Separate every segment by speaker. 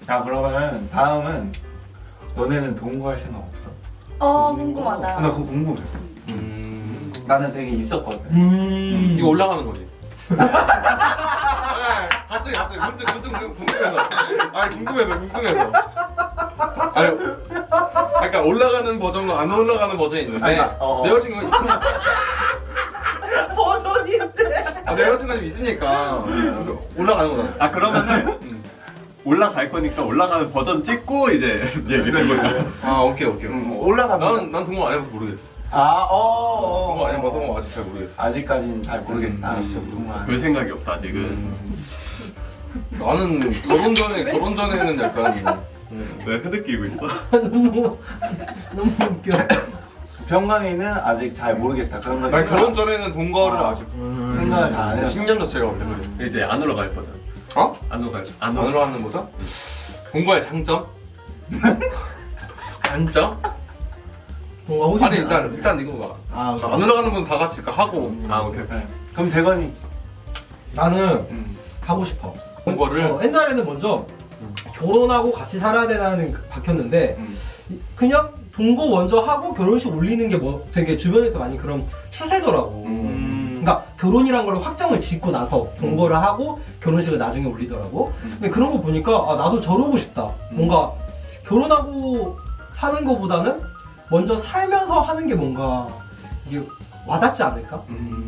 Speaker 1: 야 그러면 다음은 너네는 동거할 생각 없어?
Speaker 2: 궁금하다.
Speaker 1: 나 그거 궁금했어. 나는 되게 있었거든.
Speaker 3: 이거 올라가는 거지. 네, 갑자기 문득 궁금해서. 아니 궁금해서. 아니, 그러니까 올라가는 버전과 안 올라가는 버전이 있는데 내 여자친구가 있으니까.
Speaker 4: 버전이 있대.
Speaker 3: 내 여자친구가 좀 있으니까 올라가는 거잖아.
Speaker 5: 아 그러면은 올라갈 거니까 올라가는 버전 찍고 이제 얘기를 해보자.
Speaker 3: 아 오케이.
Speaker 1: 올라가면
Speaker 3: 난 동거 안 해봐서 모르겠어. 동거
Speaker 1: 어.
Speaker 3: 안 해봐서 아직 잘 모르겠어.
Speaker 1: 아직까지는 잘 모르겠다. 동거 안
Speaker 5: 별 생각이 없다 아직은.
Speaker 3: 나는 결혼 전에는 약간
Speaker 5: 왜 흐느끼고 있어?
Speaker 4: 너무 웃겨.
Speaker 1: 병강이는 아직 잘 모르겠다. 그런 거.
Speaker 3: 난 결혼 전에는 동거를 아직
Speaker 1: 생각을 잘 안 해서.
Speaker 3: 신념 자체가 원래 그래.
Speaker 5: 이제 안 올라갈 버전.
Speaker 3: 어?
Speaker 5: 안
Speaker 3: 안으로 하는 거죠? 동거의 장점? 단점?
Speaker 4: 뭔가 호신.
Speaker 3: 아니 일단 이거 봐. 안 올라가는 건 다 같이 하고
Speaker 5: 아 오케이.
Speaker 1: 그럼 대건이.
Speaker 4: 나는 하고 싶어.
Speaker 3: 동거를
Speaker 4: 옛날에는 먼저 결혼하고 같이 살아야 되나는 박혔는데 그냥 동거 먼저 하고 결혼식 올리는 게 뭐 되게 주변에서 많이 그런 추세더라고. 그러니까 결혼이란 걸 확정을 짓고 나서 동거를 하고 결혼식을 나중에 올리더라고. 근데 그런 거 보니까 아, 나도 저러고 싶다. 뭔가 결혼하고 사는 거보다는 먼저 살면서 하는 게 뭔가 이게 와닿지 않을까?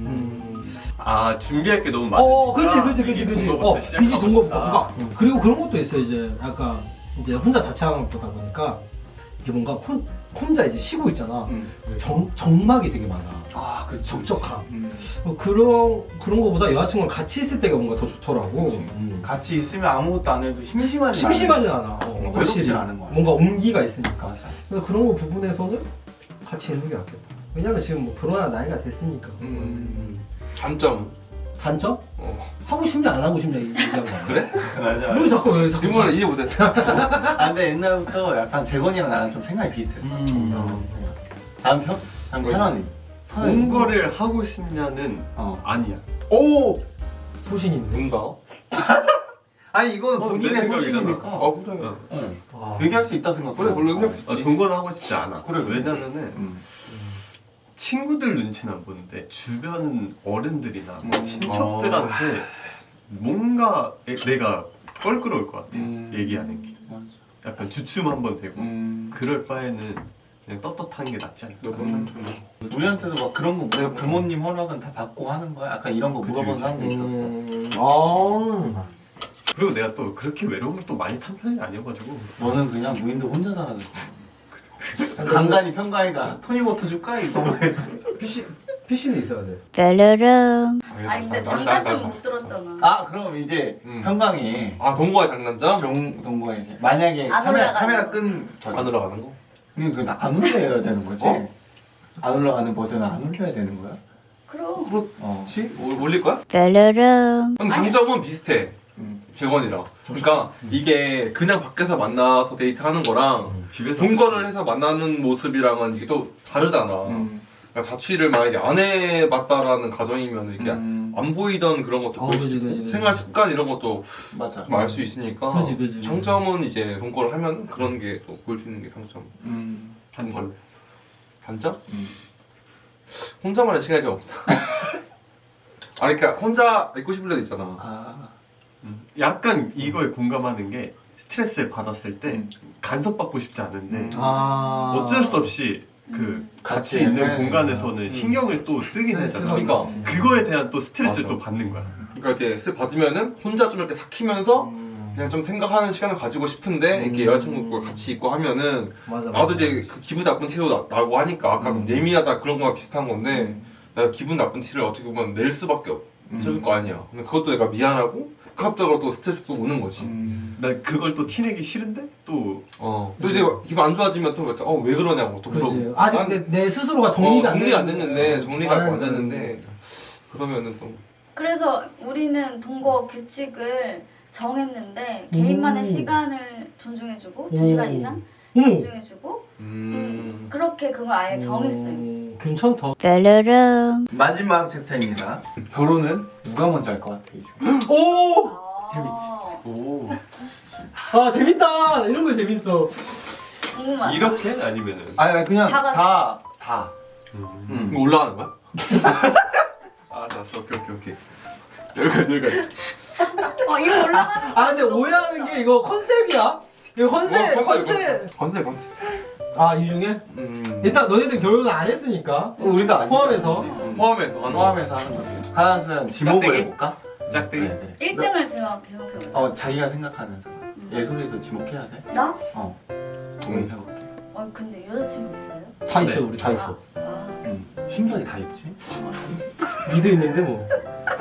Speaker 5: 아 준비할 게 너무 많아.
Speaker 4: 그렇지.
Speaker 5: 동거부터 시작하고
Speaker 4: 미리 동거부터.
Speaker 5: 싶다.
Speaker 4: 그러니까 그리고 그런 것도 있어. 이제 약간 이제 혼자 자취하는 거다 보니까 이게 뭔가 혼자 이제 쉬고 있잖아. 정막이 되게 많아.
Speaker 1: 아, 그
Speaker 4: 적적함. 그런 거보다 여자친구랑 같이 있을 때가 뭔가 더 좋더라고.
Speaker 1: 같이 있으면 아무것도 안 해도 심심하지.
Speaker 4: 심심하진 않아.
Speaker 1: 외롭진
Speaker 4: 확실히.
Speaker 1: 않은 거야.
Speaker 4: 뭔가 온기가 있으니까.
Speaker 1: 맞아.
Speaker 4: 그래서 그런 거 부분에서는 같이 있는 게 낫겠다. 왜냐면 지금 뭐 결혼할 나이가 됐으니까.
Speaker 3: 단점.
Speaker 4: 단점? 하고 싶냐 안 하고 싶냐 얘기한 거야.
Speaker 3: 그래?
Speaker 1: 맞아.
Speaker 4: 왜 자꾸
Speaker 3: 질문을 이해 못했어.
Speaker 1: 아, 근데 옛날부터 약간 재건이랑 나랑 좀 생각이 비슷했어. 다음 편? 다음 찬원이.
Speaker 5: 동거를 하고 싶냐는 아니야.
Speaker 1: 오!
Speaker 4: 소신 있네.
Speaker 3: 뭔가?
Speaker 1: 아니 이거는
Speaker 5: 내
Speaker 1: 본인의
Speaker 5: 생각이잖아.
Speaker 1: 소신이니까.
Speaker 3: 그래.
Speaker 1: 얘기할 수 있다 생각해.
Speaker 3: 그래 원래 얘기할 수 있지.
Speaker 5: 동거는 하고 싶지 않아.
Speaker 1: 그래.
Speaker 5: 왜냐면은 친구들 눈치는 안 보는데 주변 어른들이나 뭐 친척들한테 뭔가 내가 껄끄러울 것 같아. 얘기하는 게.
Speaker 1: 맞아.
Speaker 5: 약간 주춤 한번 되고 그럴 바에는 그냥 떳떳한 게 낫지 않을까.
Speaker 1: 우리한테도 막 그런 거 내가 부모님 허락은 다 받고 하는 거야? 약간 이런 거
Speaker 5: 그치,
Speaker 1: 물어본
Speaker 5: 그치.
Speaker 1: 사람도 있었어.
Speaker 5: 그리고 내가 또 그렇게 외로움을 또 많이 탄 편이 아니어가지고
Speaker 1: 너는 그냥 무인도 혼자 살아도 간간히 평가이가 토니워터 줄까? 이거만 해도.
Speaker 4: PC는 있어야 돼.
Speaker 2: 뾰로롱. 아니 근데 장단점 못 들었잖아.
Speaker 1: 아 그럼 이제 평강이
Speaker 3: 아 동거의 장단점?
Speaker 1: 동거에 이제 만약에
Speaker 2: 안 올라가는
Speaker 1: 카메라 끈
Speaker 3: 안 올라가는 거?
Speaker 1: 근데 그거 안 올려야 되는 거지?
Speaker 3: 어?
Speaker 1: 안 올라가는 버전은 안 올려야 되는 거야?
Speaker 2: 그럼.
Speaker 1: 그렇지.
Speaker 3: 올릴 거야?
Speaker 2: 뾰로롱.
Speaker 3: 형 장점은 비슷해. 재건이랑. 그러니까 이게 그냥 밖에서 만나서 데이트하는 거랑
Speaker 5: 집에서
Speaker 3: 동거를 해서 만나는 모습이랑은 이게 또 다르잖아. 그러니까 자취를 만약에 안 해봤다라는 가정이면 이렇게 안 보이던 그런 것도 보일 수 있고
Speaker 4: 그지.
Speaker 3: 생활 습관 이런 것도
Speaker 1: 맞아.
Speaker 3: 좀 알 수 있으니까
Speaker 4: 그지.
Speaker 3: 장점은 이제 동거를 하면 그런 게 또 보일 수 있는 게 장점.
Speaker 5: 단점.
Speaker 3: 단점? 혼자만의 시간이 좀 없다. 아니 그러니까 혼자 있고 싶을 때도 있잖아.
Speaker 1: 아.
Speaker 5: 약간 이거에 공감하는 게 스트레스를 받았을 때 간섭받고 싶지 않은데 어쩔 수 없이 그 같이 있는 공간에서는 신경을 또 쓰긴 하잖아.
Speaker 3: 그러니까
Speaker 5: 그거에 대한 또 스트레스를
Speaker 3: 맞아.
Speaker 5: 또 받는 거야.
Speaker 3: 그러니까 이렇게 스트레스 받으면은 혼자 좀 이렇게 삭히면서 그냥 좀 생각하는 시간을 가지고 싶은데 이렇게 여자친구가 같이 있고 하면은
Speaker 4: 맞아.
Speaker 3: 나도 이제 그 기분 나쁜 티도 나고 하니까 아까 예민하다 그런 거랑 비슷한 건데 내가 기분 나쁜 티를 어떻게 보면 낼 수밖에 없을 거 아니야. 근데 그것도 내가 미안하고 복합적으로 또 스트레스도 오는 거지.
Speaker 5: 난 그걸 또 티내기 싫은데 또
Speaker 3: 또 이제 기분 안 좋아지면 또 왜 그러냐고 또
Speaker 4: 그지.
Speaker 3: 물어보고.
Speaker 4: 아직
Speaker 3: 난-
Speaker 4: 내 스스로가 정리가
Speaker 3: 안 됐는데 정리가
Speaker 4: 나는
Speaker 3: 안 됐는데 그러면은 또
Speaker 2: 그래서 우리는 동거 규칙을 정했는데 개인만의 시간을 존중해주고 2시간 이상 존중해주고 그렇게 그걸 아예 정했어요.
Speaker 4: 괜찮다.
Speaker 2: 뾰로롱.
Speaker 1: 마지막 챕터입니다. 결혼은 누가 먼저 할 것 같아 이제?
Speaker 4: 오!
Speaker 2: 재밌지.
Speaker 5: 오
Speaker 4: 아 재밌다. 이런 거 재밌어.
Speaker 2: 궁금하다.
Speaker 5: 이렇게 아니면은
Speaker 1: 아니 그냥
Speaker 2: 다 같이.
Speaker 1: 다.
Speaker 3: 이거 올라가는 거야?
Speaker 5: 알았어 오케이
Speaker 3: 여기까지.
Speaker 2: 이거 올라가는 거.
Speaker 4: 아 근데 오해하는 게 이거 컨셉이야. 이거 컨셉.
Speaker 3: 컨셉.
Speaker 4: 아 이 중에 일단 너희들 결혼을 안 했으니까
Speaker 1: 우리도 아니까.
Speaker 4: 포함해서.
Speaker 3: 포함해서 하는 거.
Speaker 1: 포함해서 하는 거지. 하나는 지목을
Speaker 5: 짝대기?
Speaker 1: 해볼까?
Speaker 5: 짝대기.
Speaker 1: 그래.
Speaker 2: 1등을 제목해보자.
Speaker 1: 자기가 생각하는 사람. 예솔이도 지목해야 돼?
Speaker 2: 나?
Speaker 1: 고민해볼게.
Speaker 2: 근데 여자친구 있어요?
Speaker 4: 다 있어요 우리 다 있어.
Speaker 1: 신기하게 다 있지?
Speaker 4: 니도 있는데 뭐.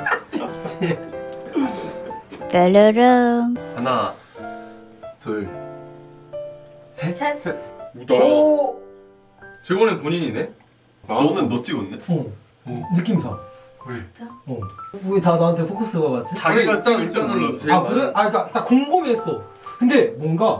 Speaker 2: 뾰로롱.
Speaker 5: 하나
Speaker 1: 둘, 셋.
Speaker 3: 나.
Speaker 4: 오.
Speaker 3: 재건이 본인이네.
Speaker 5: 너는 너 찍었네?
Speaker 4: 느낌상.
Speaker 2: 진짜?
Speaker 4: 왜 다 나한테 포커스가 맞지?
Speaker 5: 자기가 찍을 줄 몰랐어.
Speaker 4: 아 그래? 아 그러니까 딱 궁금했어. 근데 뭔가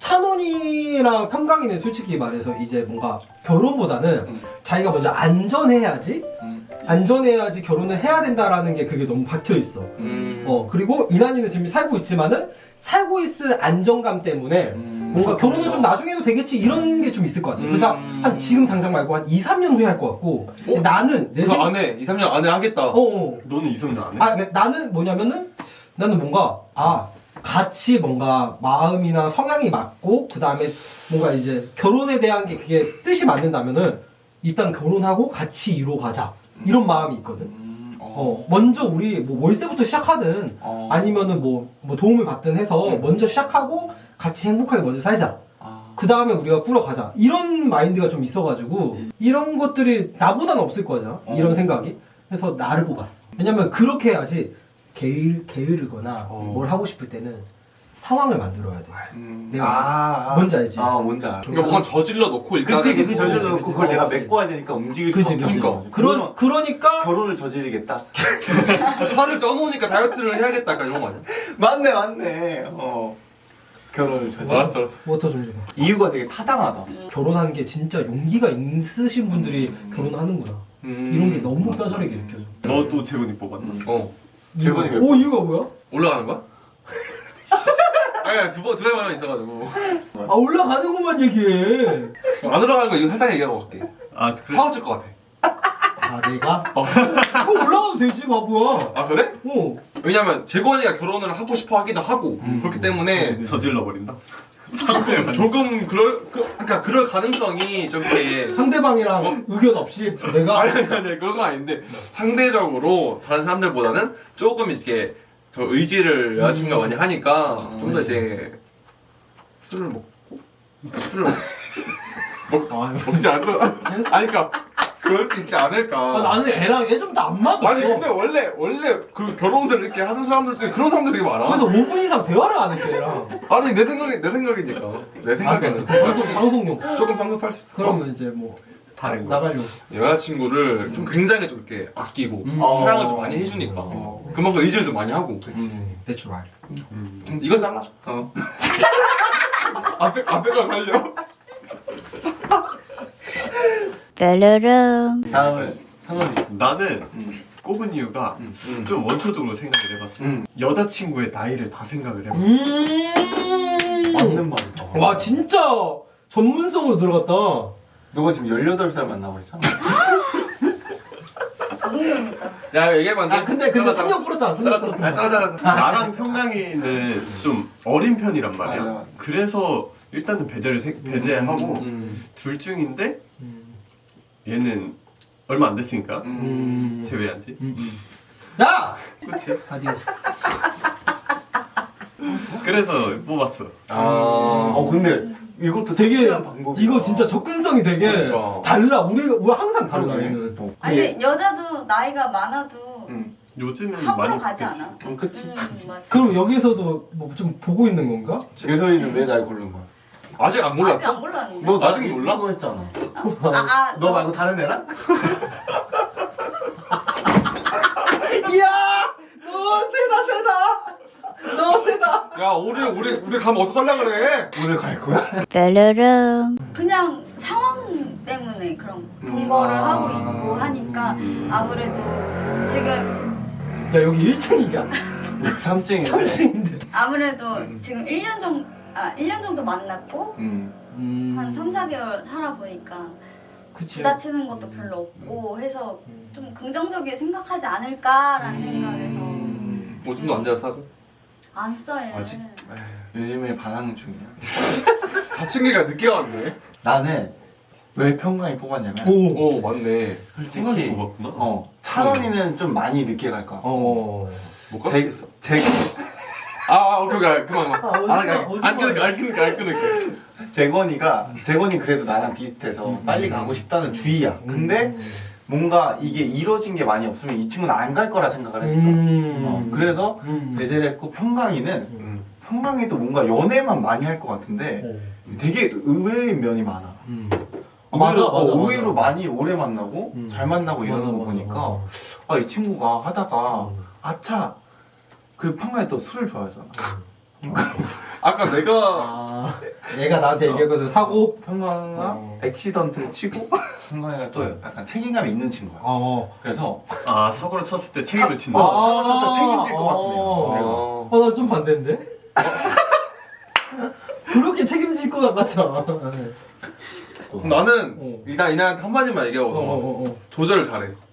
Speaker 4: 찬원이랑 평강이는 솔직히 말해서 이제 뭔가 결혼보다는 자기가 먼저 안전해야지 안전해야지 결혼을 해야 된다라는 게 그게 너무 박혀 있어. 그리고 이난이는 지금 살고 있지만은 살고 있을 안정감 때문에 뭔가 결혼을 좀 나중에 해도 되겠지 이런 게 좀 있을 것 같아. 그래서 한 지금 당장 말고 한 2, 3년 후에 할 것 같고 근데 나는 내
Speaker 3: 그 안에 2, 3년 안에 하겠다.
Speaker 5: 너는 이성도 안 해?
Speaker 4: 아, 근데 나는 뭐냐면은 나는 뭔가 같이 뭔가 마음이나 성향이 맞고 그 다음에 뭔가 이제 결혼에 대한 게 그게 뜻이 맞는다면은 일단 결혼하고 같이 이뤄가자 이런 마음이 있거든. 먼저 우리 뭐 월세부터 시작하든 아니면은 뭐 도움을 받든 해서 먼저 시작하고 같이 행복하게 먼저 살자. 그 다음에 우리가 꾸려가자. 이런 마인드가 좀 있어가지고 이런 것들이 나보다는 없을 거잖아. 이런 생각이. 그래서 나를 뽑았어. 왜냐면 그렇게 해야지 게으르거나 뭘 하고 싶을 때는 상황을 만들어야 돼. 내가 뭔지 알지?
Speaker 1: 뭔지 알아.
Speaker 3: 그러니까 뭔가 저질러 놓고 일단은
Speaker 1: 그치 저질러 놓고 그걸 내가
Speaker 4: 그치.
Speaker 1: 메꿔야 되니까 움직일
Speaker 4: 그치,
Speaker 1: 수밖에
Speaker 4: 그치.
Speaker 1: 없는 거지.
Speaker 4: 그러니까
Speaker 1: 결혼을 저지르겠다.
Speaker 3: 살을 쪄놓으니까 다이어트를 해야겠다. 약간 이런 거 아니야?
Speaker 1: 맞네. 결혼을 저지르.
Speaker 3: 알았어.
Speaker 4: 워터 좀 줘봐.
Speaker 1: 이유가 되게 타당하다.
Speaker 4: 결혼한 게 진짜 용기가 있으신 분들이 결혼하는구나. 이런 게 너무 뼈저리게 느껴져.
Speaker 5: 너도 재훈이 뽑았나?
Speaker 1: 재건이 왜
Speaker 4: 이유가 뭐야?
Speaker 3: 올라가는 거야? 아니야 두 번만 있어가지고
Speaker 4: 올라가는것만 얘기해.
Speaker 3: 안 올라가는 거 이거 살짝 얘기하고 갈게.
Speaker 5: 아 그래?
Speaker 3: 사고칠 것 같아.
Speaker 4: 내가? 그거 올라가도 되지 바보야.
Speaker 3: 아 그래? 왜냐면 재건이가 결혼을 하고 싶어 하기도 하고 그렇기 때문에
Speaker 5: 저질러 버린다.
Speaker 3: 조금 그럴 가능성이 좀 이렇게
Speaker 4: 상대방이랑 의견 없이 내가
Speaker 3: 아니 그런 건 아닌데 상대적으로 다른 사람들보다는 조금 이렇게 더 의지를 여자친구가 많이 하니까 좀 더 이제 술을 먹지 않고 아니 그러니까 그럴 수 있지 않을까.
Speaker 4: 나는 애랑 예전부터 안 맞았어.
Speaker 3: 아니 근데 원래 그 결혼을 이렇게 하는 사람들 중에 그런 사람들 되게 많아.
Speaker 4: 그래서 5분 이상 대화를 안 했대 애랑.
Speaker 3: 아니 내 생각이니까 내 생각에는
Speaker 4: 방송용.
Speaker 3: 조금 성급할 수.
Speaker 4: 그러면 이제 뭐
Speaker 5: 다른 거.
Speaker 4: 나가려고.
Speaker 3: 여자친구를 좀 굉장히 좀 이렇게 아끼고
Speaker 1: 어.
Speaker 3: 사랑을 좀 많이 해주니까 그만큼 의지를 좀 많이 하고.
Speaker 4: That's right.
Speaker 3: 이건 잘라. 앞에가 걸려.
Speaker 2: 뾰로롱.
Speaker 1: 다음은 상원이.
Speaker 5: 나는 꼽은 이유가 좀 원초적으로 생각을 해봤어. 여자친구의 나이를 다 생각을 해봤어.
Speaker 1: 맞는 말이다.
Speaker 4: 와 진짜 전문성으로 들어갔다.
Speaker 1: 너가 지금 18살 만나버렸잖아.
Speaker 2: 도둑놈이다.
Speaker 3: 야 얘기하면 안 돼.
Speaker 4: 근데 3년 풀었잖아. 3년 풀었잖아.
Speaker 3: 잘라.
Speaker 5: 나랑 평강이는 좀 어린 편이란 말이야.
Speaker 1: 맞아.
Speaker 5: 그래서 일단은 배제하고 둘 중인데 얘는 얼마 안 됐으니까 제외한 지.
Speaker 4: 야!
Speaker 5: 그렇지.
Speaker 4: 아디오스.
Speaker 5: 그래서 뽑았어.
Speaker 1: 근데 이것도
Speaker 4: 되게
Speaker 1: 확실한 방법이야.
Speaker 4: 이거 진짜 접근성이 되게
Speaker 3: 그러니까.
Speaker 4: 달라. 우리 항상 달라 얘는.
Speaker 2: 아니 근데 여자도 나이가 많아도
Speaker 5: 요즘은
Speaker 2: 함부로
Speaker 5: 많이
Speaker 2: 가지
Speaker 5: 바뀌었지.
Speaker 2: 않아.
Speaker 1: 그치.
Speaker 2: 맞지.
Speaker 4: 그럼 여기서도 뭐 좀 보고 있는 건가?
Speaker 1: 예솔이는 왜 날 고른 거야?
Speaker 3: 아직 안
Speaker 2: 아직
Speaker 3: 몰랐어?
Speaker 2: 안 몰랐는데.
Speaker 1: 너
Speaker 3: 아직
Speaker 1: 나중에
Speaker 3: 몰라?
Speaker 1: 몰라? 했잖아.
Speaker 2: 너
Speaker 1: 너 말고 다른 애랑?
Speaker 4: 이야! 너 세다!
Speaker 3: 야 우리 가면 어떡하려 그래?
Speaker 1: 오늘 갈 거야?
Speaker 2: 뾰로롱. 그냥 상황 때문에 그런 동거를 하고 있고 하니까 아무래도 지금
Speaker 4: 야 여기 1층이냐?
Speaker 1: 3층인데.
Speaker 4: 3층인데.
Speaker 2: 아무래도 지금 1년 정도 만났고 한 3, 4개월 살아보니까
Speaker 4: 그치.
Speaker 2: 부다치는 것도 별로 없고 해서 좀 긍정적이게 생각하지 않을까라는 생각에서
Speaker 3: 오줌도 안 자서
Speaker 2: 안 써요.
Speaker 3: 아직?
Speaker 1: 요즘에 반항 중이야.
Speaker 3: 사춘기가 늦게 왔네.
Speaker 1: 나는 왜 평강이 뽑았냐면
Speaker 3: 오 맞네.
Speaker 1: 솔직히
Speaker 5: 뽑았구나.
Speaker 1: 찬원이는 좀 많이 늦게 갈 거야.
Speaker 3: 못 가겠어.
Speaker 1: 제
Speaker 3: 오케이 그만. 안 끊을게.
Speaker 1: 재건이가 그래도 나랑 비슷해서 빨리 가고 싶다는 주의야. 근데 뭔가 이게 이루어진 게 많이 없으면 이 친구는 안 갈 거라 생각을 했어. 그래서 배제를 했고 평강이도 뭔가 연애만 많이 할 것 같은데 되게 의외인 면이 많아. 의외로 많이 오래 만나고 잘 만나고 이러는 거 보니까 이 친구가 하다가 아차 그 평강이 또 술을 좋아하잖아.
Speaker 3: 아까 내가
Speaker 4: 얘가 나한테 얘기했거든. 사고.
Speaker 1: 평강아 액시던트를 치고 평강이가 또 약간 책임감이 있는 친구야. 그래서
Speaker 5: 사고를 쳤을 때 책임을 진다.
Speaker 1: 진짜 책임질 것 같은 애야.
Speaker 4: 나 좀 반대인데? 그렇게 책임질 것 같잖아.
Speaker 3: 나는 일단 이나한테 한마디만 얘기하고 조절을 잘해.